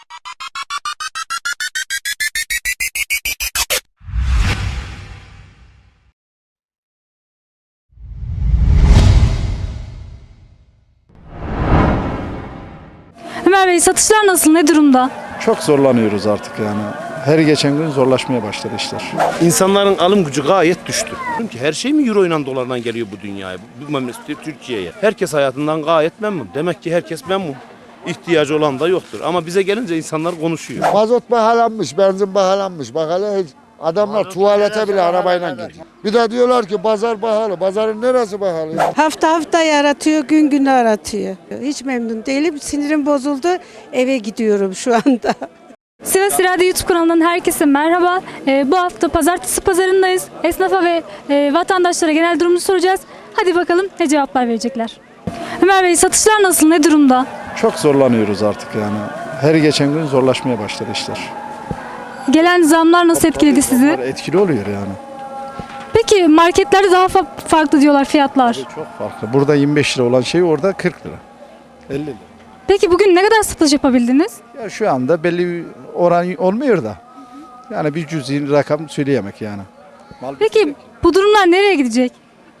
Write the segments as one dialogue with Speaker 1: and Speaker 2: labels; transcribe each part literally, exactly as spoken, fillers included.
Speaker 1: Ömer Bey, satışlar nasıl, ne durumda?
Speaker 2: Çok zorlanıyoruz artık yani. Her geçen gün zorlaşmaya başladı işler.
Speaker 3: İnsanların alım gücü gayet düştü. Çünkü her şey mi euro ile dolarla geliyor bu dünyaya, bu memlekete, Türkiye'ye? Herkes hayatından gayet memnun. Demek ki herkes memnun. İhtiyacı olan da yoktur. Ama bize gelince insanlar konuşuyor.
Speaker 4: Mazot pahalanmış, benzin pahalanmış. Bak hele adamlar tuvalete bile arabayla gidiyor. Bir de diyorlar ki pazar pahalı. Pazarın neresi pahalı?
Speaker 5: Hafta hafta yaratıyor, gün gün aratıyor. Hiç memnun değilim. Sinirim bozuldu. Eve gidiyorum şu anda.
Speaker 1: Sivas İrade YouTube kanalından herkese merhaba. Ee, bu hafta pazartesi pazarındayız. Esnafa ve e, vatandaşlara genel durumunu soracağız. Hadi bakalım ne cevaplar verecekler. Ömer Bey, satışlar nasıl, ne durumda?
Speaker 2: Çok zorlanıyoruz artık yani. Her geçen gün zorlaşmaya başladı işler.
Speaker 1: Gelen zamlar nasıl etkiledi sizi?
Speaker 2: Bunlar etkili oluyor yani.
Speaker 1: Peki marketlerde daha fa- farklı diyorlar fiyatlar.
Speaker 2: Çok farklı. Burada yirmi beş lira olan şey orada kırk lira. elli lira.
Speaker 1: Peki bugün ne kadar satış yapabildiniz?
Speaker 2: Ya şu anda belli bir oran olmuyor da. Yani bir cüzi rakam söyleyemek yani. Mal
Speaker 1: Peki bu durumlar nereye gidecek?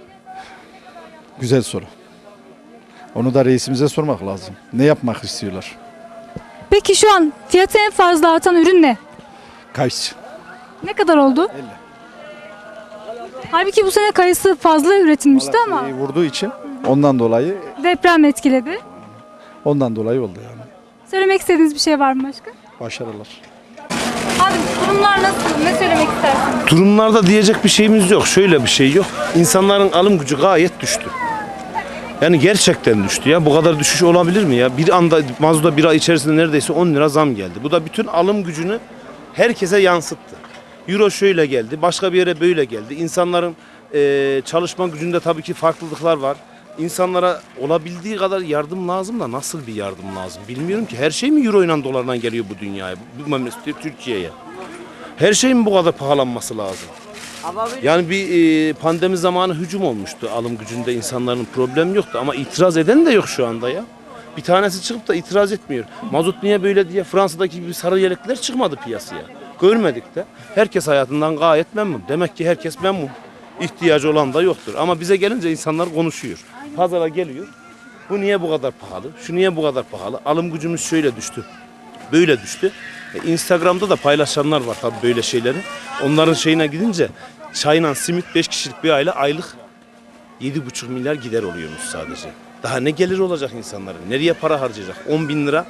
Speaker 2: Güzel soru. Onu da reisimize sormak lazım. Ne yapmak istiyorlar?
Speaker 1: Peki şu an fiyatı en fazla artan ürün ne?
Speaker 2: Kayısı.
Speaker 1: Ne kadar oldu?
Speaker 2: elli.
Speaker 1: Halbuki bu sene kayısı fazla üretilmişti ama
Speaker 2: Malatya'yı vurduğu için ondan dolayı
Speaker 1: deprem etkiledi.
Speaker 2: ondan dolayı oldu yani.
Speaker 1: Söylemek istediğiniz bir şey var mı başka?
Speaker 2: Başarılar.
Speaker 1: Abi durumlar nasıl? Ne söylemek istersiniz?
Speaker 3: Durumlarda diyecek bir şeyimiz yok. Şöyle bir şey yok. İnsanların alım gücü gayet düştü. Yani gerçekten düştü ya. Bu kadar düşüş olabilir mi ya? Bir anda mazota bir ay içerisinde neredeyse on lira zam geldi. Bu da bütün alım gücünü herkese yansıttı. Euro şöyle geldi, başka bir yere böyle geldi. İnsanların eee, çalışma gücünde tabii ki farklılıklar var. İnsanlara olabildiği kadar yardım lazım da nasıl bir yardım lazım bilmiyorum ki. Her şey mi euro ile dolarla geliyor bu dünyaya, bu memlekete, Türkiye'ye? Her şeyin bu kadar pahalanması lazım. Yani bir e, pandemi zamanı hücum olmuştu alım gücünde, insanların problem yoktu ama itiraz eden de yok şu anda ya. Bir tanesi çıkıp da itiraz etmiyor. Mazot niye böyle diye Fransa'daki gibi sarı yelekler çıkmadı piyasaya. Görmedik de. Herkes hayatından gayet memnun. Demek ki herkes memnun. İhtiyacı olan da yoktur. Ama bize gelince insanlar konuşuyor. Pazara geliyor. Bu niye bu kadar pahalı? Şu niye bu kadar pahalı? Alım gücümüz şöyle düştü. Böyle düştü. E, Instagram'da da paylaşanlar var tabii böyle şeyleri. Onların şeyine gidince çayla simit beş kişilik bir aile aylık yedi buçuk milyar gider oluyormuş sadece. Daha ne gelir olacak insanların? Nereye para harcayacak? on bin lira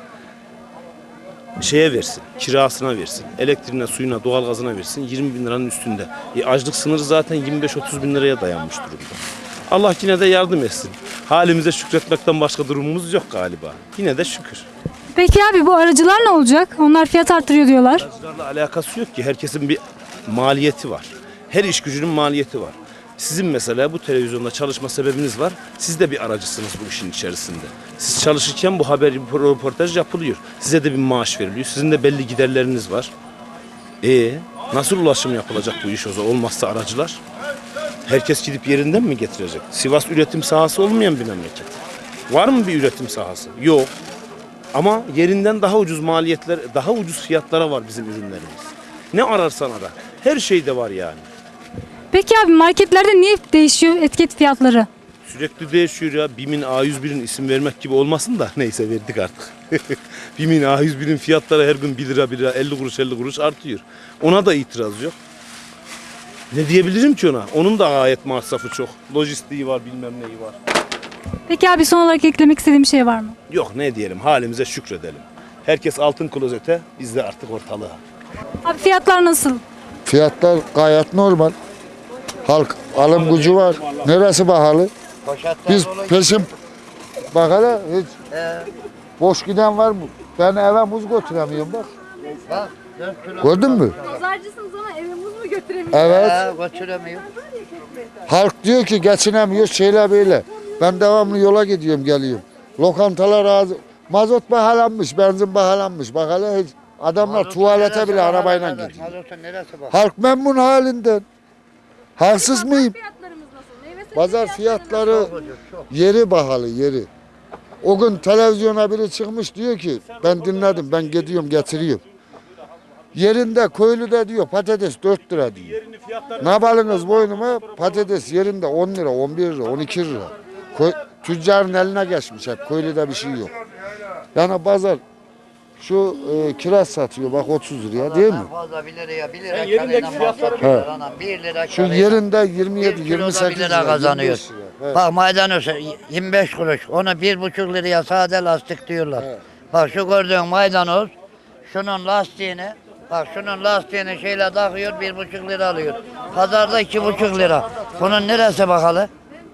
Speaker 3: şeye versin, kirasına versin, elektriğine, suyuna, doğalgazına versin, yirmi bin liranın üstünde. E, açlık sınırı zaten yirmi beş otuz bin liraya dayanmış durumda. Allah yine de yardım etsin. Halimize şükretmekten başka durumumuz yok galiba. Yine de şükür.
Speaker 1: Peki abi bu aracılar ne olacak? Onlar fiyat artırıyor diyorlar.
Speaker 3: Aracılarla alakası yok ki. Herkesin bir maliyeti var. Her iş gücünün maliyeti var. Sizin mesela bu televizyonda çalışma sebebiniz var. Siz de bir aracısınız bu işin içerisinde. Siz çalışırken bu haber, bu röportaj yapılıyor. Size de bir maaş veriliyor. Sizin de belli giderleriniz var. E nasıl ulaşım yapılacak bu iş o zaman? Olmazsa aracılar. Herkes gidip yerinden mi getirecek? Sivas üretim sahası olmayan bir memleket. Var mı bir üretim sahası? Yok. Ama yerinden daha ucuz maliyetler, daha ucuz fiyatlara var bizim ürünlerimiz. Ne ararsan ara. Her şeyde var yani.
Speaker 1: Peki abi marketlerde niye değişiyor etiket fiyatları?
Speaker 3: Sürekli değişiyor ya. BİM'in A yüz birin isim vermek gibi olmasın da neyse verdik artık. BİM'in A yüz birin fiyatları her gün bir lira bir lira elli kuruş elli kuruş artıyor. Ona da itiraz yok. Ne diyebilirim ki ona? Onun da gayet masrafı çok. Lojistiği var, bilmem neyi var.
Speaker 1: Peki abi son olarak eklemek istediğim bir şey var mı?
Speaker 3: Yok ne diyelim, halimize şükredelim. Herkes altın klozete, biz de artık ortalığa.
Speaker 1: Abi fiyatlar nasıl?
Speaker 4: Fiyatlar gayet normal. Halk alım gücü var. Neresi pahalı? Biz peşin bak hele hiç boş giden var mı? Ben eve muz götüremiyorum bak. Gördün mü?
Speaker 1: Pazarcısınız ama eve muz mu götüremiyorsunuz?
Speaker 4: Evet.
Speaker 6: Götüremiyor.
Speaker 4: Halk diyor ki geçinemiyor şeyler böyle. Ben devamlı yola gidiyorum geliyorum. Lokantalar ağzı. Mazot pahalanmış, benzin pahalanmış. Bak hele hiç adamlar tuvalete bile arabayla gidiyor.
Speaker 6: Mazotun neresi bak?
Speaker 4: Halk memnun halinden. Haksız mıyım?
Speaker 1: Fiyatlarımız nasıl? Meyve sebze
Speaker 4: Pazar fiyatları yeri pahalı yeri. O gün televizyona biri çıkmış diyor ki ben dinledim ben gidiyorum getiriyorum. Yerinde köylüde diyor patates dört lira diyor. Ne yapalınız boynuma patates yerinde on lira, on bir lira, on iki lira. Köy, tüccarın eline geçmiş hep köylüde bir şey yok. Yani pazar şu e, kiraz satıyor bak otuz liraya değil mi?
Speaker 6: Fazla bir liraya bir lira karıyla mal satıyorlar anam. bir lira
Speaker 4: Şu
Speaker 6: karıyla.
Speaker 4: yerinde yirmi yedi,
Speaker 6: Bir
Speaker 4: yirmi
Speaker 6: kiloda
Speaker 4: sekiz
Speaker 6: bir lira
Speaker 4: lira
Speaker 6: kazanıyor.
Speaker 4: yirmi beş lira. Evet.
Speaker 6: Bak maydanoz yirmi beş kuruş. Onu bir buçuk liraya sade lastik diyorlar.
Speaker 4: Evet.
Speaker 6: Bak şu gördüğün maydanoz şunun lastiğini bak şunun lastiğini şeyle takıyor bir buçuk lira alıyor. Pazarda iki buçuk lira. Bunun neresi bakalım?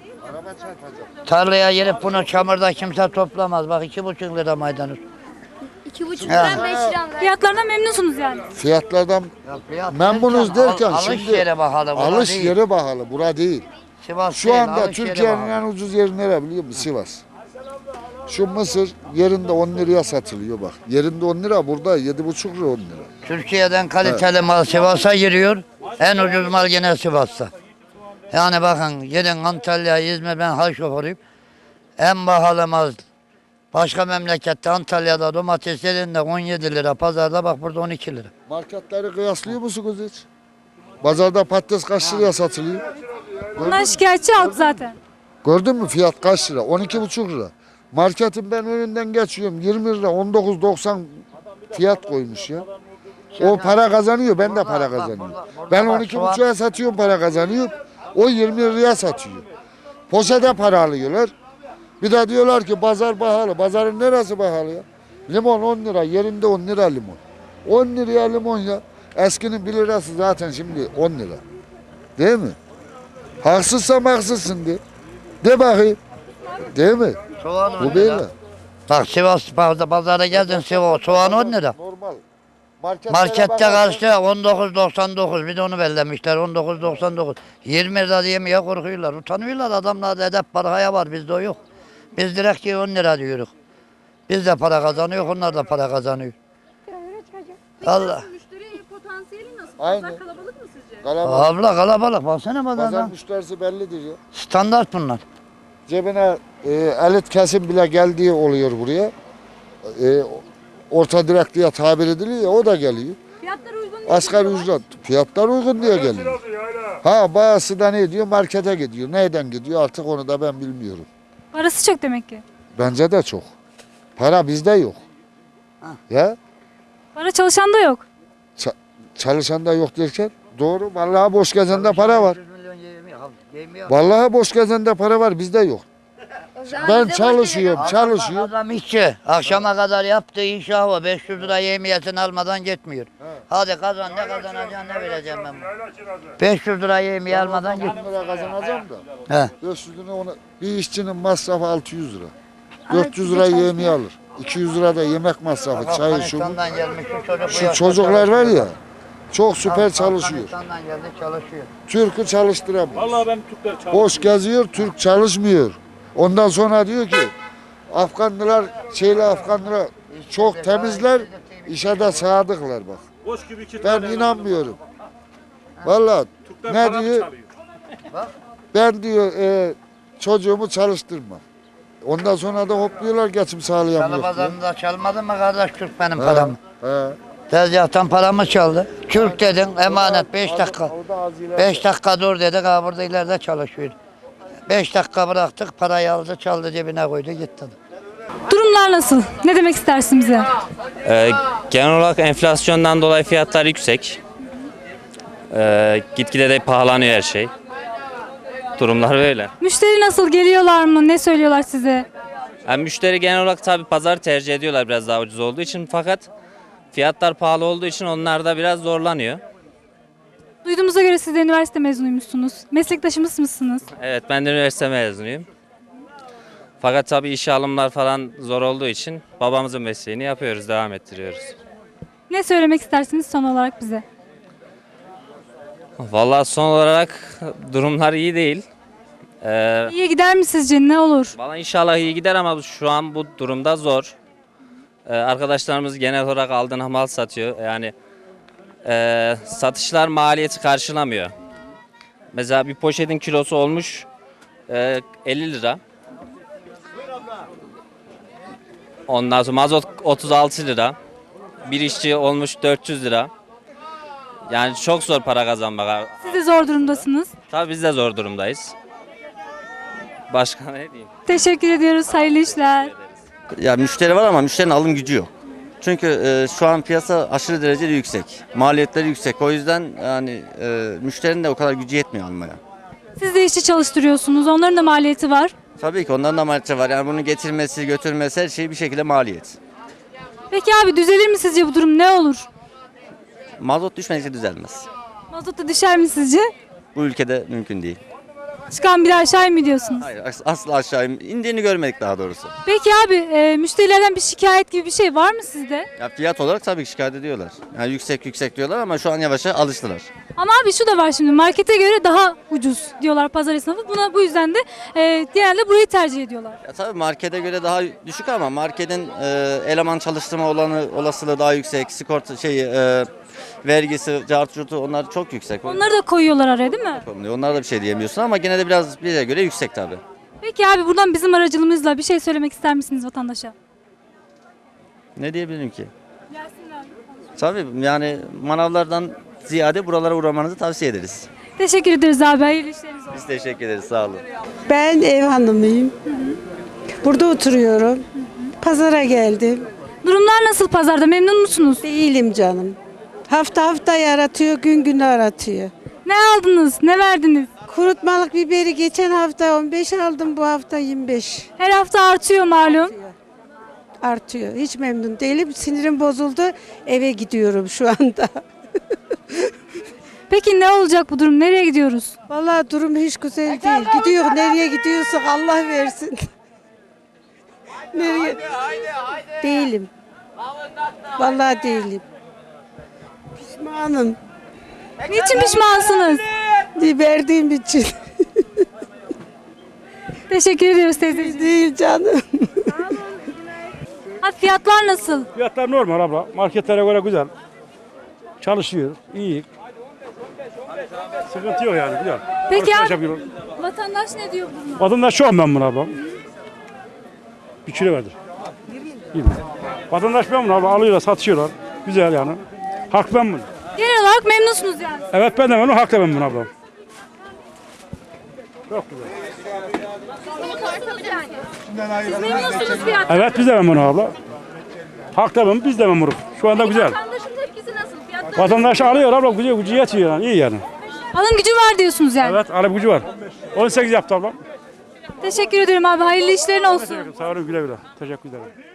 Speaker 6: Tarlaya girip bunu çamurda kimse toplamaz. Bak iki buçuk lira maydanoz.
Speaker 1: iki buçuk
Speaker 6: Ya.
Speaker 1: liradan beş lira. Fiyatlarından memnunsunuz yani.
Speaker 4: Fiyatlardan
Speaker 6: Ya fiyat
Speaker 4: memnunuz
Speaker 6: derken,
Speaker 4: derken
Speaker 6: al- alış
Speaker 4: şimdi
Speaker 6: yere bakalım. buna
Speaker 4: alış
Speaker 6: değil.
Speaker 4: yeri pahalı bura değil.
Speaker 6: Sivas
Speaker 4: Şu
Speaker 6: değil,
Speaker 4: anda
Speaker 6: alış yere
Speaker 4: Türkiye'nin
Speaker 6: bakalım.
Speaker 4: en ucuz yeri nere biliyor musun? Sivas. Şu mısır yerinde on liraya satılıyor bak. Yerinde on lira burada yedi buçuk lira on lira.
Speaker 6: Türkiye'den kaliteli mal Sivas'a giriyor. En ucuz mal yine Sivas'ta. Yani bakın gidin Antalya, İzmir, ben hal şoförüyüm. En pahalı mal başka memlekette Antalya'da domates yerinde on yedi lira, pazarda bak burada on iki lira.
Speaker 4: Marketleri kıyaslıyor musunuz hiç? Pazarda patates kaç liraya satılıyor?
Speaker 1: Bundan şikayetçi halk zaten.
Speaker 4: Gördün mü fiyat kaç lira? on iki buçuk lira. Marketin ben önünden geçiyorum yirmi lira on dokuz doksan fiyat koymuş ya. O para kazanıyor ben de para kazanıyorum. Ben on iki buçuğa satıyorum para kazanıyorum. O yirmi liraya satıyor. Poşete para alıyorlar. Bir de diyorlar ki pazar pahalı. Pazarın neresi pahalı ya? Limon on lira yerinde on lira limon. on liraya limon ya. Eskinin bir lirası zaten şimdi on lira. Değil mi? Haksızsam haksızsın de. De bakayım. Değil mi?
Speaker 6: Soğan on
Speaker 4: Bu
Speaker 6: lira.
Speaker 4: böyle.
Speaker 6: Bak Sivas pazara, pazara geldin Sivas soğan on lira.
Speaker 4: Normal. Marketlere
Speaker 6: Markette
Speaker 4: bakarsan-
Speaker 6: karşı on dokuz doksan dokuz bir de onu bellemişler on dokuz doksan dokuz. yirmi lira diyemeye korkuyorlar. Utanıyorlar adamlarda edep paraya var bizde o yok. Biz direkt ki on lira diyoruz. Biz de para kazanıyor onlar da para kazanıyor. Allah.
Speaker 1: Müşteri potansiyeli nasıl?
Speaker 4: Aynı.
Speaker 1: Kalabalık mı sizce?
Speaker 4: Kalabalık.
Speaker 6: Abla kalabalık baksana
Speaker 4: Pazar
Speaker 6: pazardan.
Speaker 4: müşterisi bellidir ya.
Speaker 6: Standart bunlar.
Speaker 4: Cebine e, elit kesim bile geldiği oluyor buraya. E, orta direkt diye tabir ediliyor ya o da geliyor.
Speaker 1: Fiyatlar uygun değil.
Speaker 4: Asgari ücret fiyatlar uygun diye geliyor. Ha bazısı da ne diyor markete gidiyor. Neyden gidiyor artık onu da ben bilmiyorum.
Speaker 1: Parası çok demek ki.
Speaker 4: Bence de çok. Para bizde yok. Ya
Speaker 1: Para çalışan da yok.
Speaker 4: ça- çalışan da yok derken doğru. Vallahi boş gezende para var. Vallahi boş gezende para var bizde yok. Ben çalışıyorum, çalışıyorum.
Speaker 6: Adam işçi. Akşama kadar yaptığı iş o. beş yüz lira yemiyetini almadan gitmiyor. Hadi kazan ne kazanacaksın ne vereceğim ben bunu. beş yüz lira yemiye almadan git.
Speaker 4: on lira kazanacağım da.
Speaker 6: He.
Speaker 4: beş yüz lira ona bir işçinin masrafı altı yüz lira. dört yüz lira yemeği alır. iki yüz lira da yemek masrafı, çayı şu bu.
Speaker 6: Afganistan'dan gelmiş şu çocuk. bu
Speaker 4: Şu
Speaker 6: yaşta
Speaker 4: çocuklar var
Speaker 6: çalışıyor.
Speaker 4: ya çok süper çalışıyor.
Speaker 6: Afganistan'dan geldi çalışıyor.
Speaker 4: Türk'ü çalıştıramıyor.
Speaker 7: Vallahi ben Türkler çalışıyorum.
Speaker 4: Boş geziyor, Türk çalışmıyor. Ondan sonra diyor ki Afganlılar, şeyle Afganlılar çok temizler, işe de sadıklar bak.
Speaker 7: Boş gibi iki
Speaker 4: Ben
Speaker 7: tane
Speaker 4: inanmıyorum. Vallahi
Speaker 7: Türkler
Speaker 4: ne
Speaker 7: para mı
Speaker 4: diyor?
Speaker 7: çalıyor?
Speaker 4: Ben diyor e, çocuğumu çalıştırmam. Ondan sonra da hopluyorlar geçim sağlayamıyor.
Speaker 6: Çalı
Speaker 4: diyor.
Speaker 6: pazarında çalmadın mı kardeş Türk benim
Speaker 4: He,
Speaker 6: paramı?
Speaker 4: he.
Speaker 6: Tezgahtan paramı çaldı. Türk dedin emanet beş dakika. beş dakika dur dedik ha burada ileride çalışıyor. beş dakika bıraktık parayı aldı çaldı cebine koydu gitti.
Speaker 1: Durumlar nasıl? Ne demek istersin bize?
Speaker 8: Ee, genel olarak enflasyondan dolayı fiyatlar yüksek. Ee, gitgide de pahalanıyor her şey. Durumlar böyle.
Speaker 1: Müşteri nasıl? Geliyorlar mı? Ne söylüyorlar size?
Speaker 8: Yani müşteri genel olarak tabii pazar tercih ediyorlar biraz daha ucuz olduğu için fakat fiyatlar pahalı olduğu için onlar da biraz zorlanıyor.
Speaker 1: Duyduğumuza göre siz de üniversite mezunuymuşsunuz. Meslektaşımız mısınız?
Speaker 8: Evet ben de üniversite mezunuyum. Fakat tabii işe alımlar falan zor olduğu için babamızın mesleğini yapıyoruz, devam ettiriyoruz.
Speaker 1: Ne söylemek istersiniz son olarak bize?
Speaker 8: Vallahi son olarak durumlar iyi değil. Ee,
Speaker 1: İyi gider mi sizce? Ne olur?
Speaker 8: Valla inşallah iyi gider ama şu an bu durumda zor. Ee, arkadaşlarımız genel olarak aldığına mal satıyor. Yani e, satışlar maliyeti karşılamıyor. Mesela bir poşetin kilosu olmuş e, elli lira. Ondan sonra mazot otuz altı lira. Bir işçi olmuş dört yüz lira. Yani çok zor para kazanmak.
Speaker 1: Siz de zor durumdasınız.
Speaker 8: Tabii biz de zor durumdayız. Başka ne diyeyim?
Speaker 1: Teşekkür ediyoruz. Hayırlı işler.
Speaker 7: Ya müşteri var ama müşterinin alım gücü yok. Çünkü e, şu an piyasa aşırı derecede yüksek. Maliyetleri yüksek. O yüzden yani e, müşterinin de o kadar gücü yetmiyor almaya.
Speaker 1: Siz de işçi çalıştırıyorsunuz. Onların da maliyeti var.
Speaker 7: Tabii ki onların da maliyeti var. Yani bunu getirmesi, götürmesi her şey bir şekilde maliyet.
Speaker 1: Peki abi düzelir mi sizce bu durum? Ne olur?
Speaker 7: Mazot düşmedikçe düzelmez.
Speaker 1: Mazot da düşer mi sizce?
Speaker 7: Bu ülkede mümkün değil.
Speaker 1: Çıkan bir aşağı mı diyorsunuz?
Speaker 7: Hayır as- asla aşağı in- indiğini görmedik daha doğrusu.
Speaker 1: Peki abi e, müşterilerden bir şikayet gibi bir şey var mı sizde?
Speaker 7: Ya fiyat olarak tabii ki şikayet ediyorlar. Yani yüksek yüksek diyorlar ama şu an yavaş yavaş alıştılar.
Speaker 1: Ama abi şu da var şimdi markete göre daha ucuz diyorlar pazar esnafı. Buna bu yüzden de e, genelde burayı tercih ediyorlar.
Speaker 7: Ya tabii markete göre daha düşük ama marketin e, eleman çalıştırma olanı olasılığı daha yüksek. Sigorta şey e, vergisi, cartçutu onlar çok yüksek.
Speaker 1: Onları da koyuyorlar araya değil mi?
Speaker 7: Onlar da bir şey diyemiyorsun ama gene de biraz bize göre yüksek tabii.
Speaker 1: Peki abi buradan bizim aracılığımızla bir şey söylemek ister misiniz vatandaşa?
Speaker 7: Ne diyebilirim ki? Tabii yani manavlardan ziyade buralara uğramanızı tavsiye ederiz.
Speaker 1: Teşekkür ederiz abi. Hayırlı işleriniz olsun.
Speaker 7: Biz teşekkür ederiz. Sağ olun.
Speaker 5: Ben ev hanımıyım. Burada oturuyorum. Pazara geldim.
Speaker 1: Durumlar nasıl pazarda? Memnun musunuz?
Speaker 5: Değilim canım. Hafta hafta yaratıyor, gün gün aratıyor.
Speaker 1: Ne aldınız? Ne verdiniz?
Speaker 5: Kurutmalık biberi geçen hafta on beş aldım, bu hafta yirmi beş.
Speaker 1: Her hafta artıyor malum.
Speaker 5: Artıyor. Hiç memnun değilim. Sinirim bozuldu. Eve gidiyorum şu anda.
Speaker 1: Peki ne olacak bu durum? Nereye gidiyoruz?
Speaker 5: Vallahi durum hiç güzel değil. Gidiyor. Nereye gidiyorsak Allah versin. Nereye? Değilim. Vallahi değilim. Pişmanım.
Speaker 1: Niçin pişmansınız?
Speaker 5: Verdiğim için.
Speaker 1: Teşekkür ediyoruz teyzeciğim.
Speaker 5: Değil canım.
Speaker 1: Ha, fiyatlar nasıl?
Speaker 9: Fiyatlar normal abla. Marketlere göre güzel. Çalışıyor. İyi. Sıkıntı yok yani. Güzel.
Speaker 1: Peki
Speaker 9: Alışveriş
Speaker 1: abi
Speaker 9: yapıyorlar.
Speaker 1: vatandaş ne diyor bu duruma?
Speaker 9: Vatandaş çok memnun abla. Bir kilo verdir. yirmi. Vatandaş memnun abla. Alıyorlar, satışıyorlar. Güzel yani. Halk memnun.
Speaker 1: Genel olarak memnunsunuz yani.
Speaker 9: Evet ben de memnun. Halk da memnun abla. Çok güzel.
Speaker 1: Siz memnunsunuz fiyattan.
Speaker 9: Evet biz de memnun abla. Halk da memnun. Biz de memnunuz. Şu anda güzel.
Speaker 1: Vatandaşın tepkisi nasıl? Fiyatlar
Speaker 9: Vatandaş alıyor abla. Gücü, gücü yetiyor yani. İyi yani.
Speaker 1: alım gücü var diyorsunuz yani.
Speaker 9: Evet alım gücü var. on sekiz yaptı abla.
Speaker 1: Teşekkür ederim abi. Hayırlı işlerin olsun.
Speaker 9: Sağ olun güle güle. Teşekkür ederim.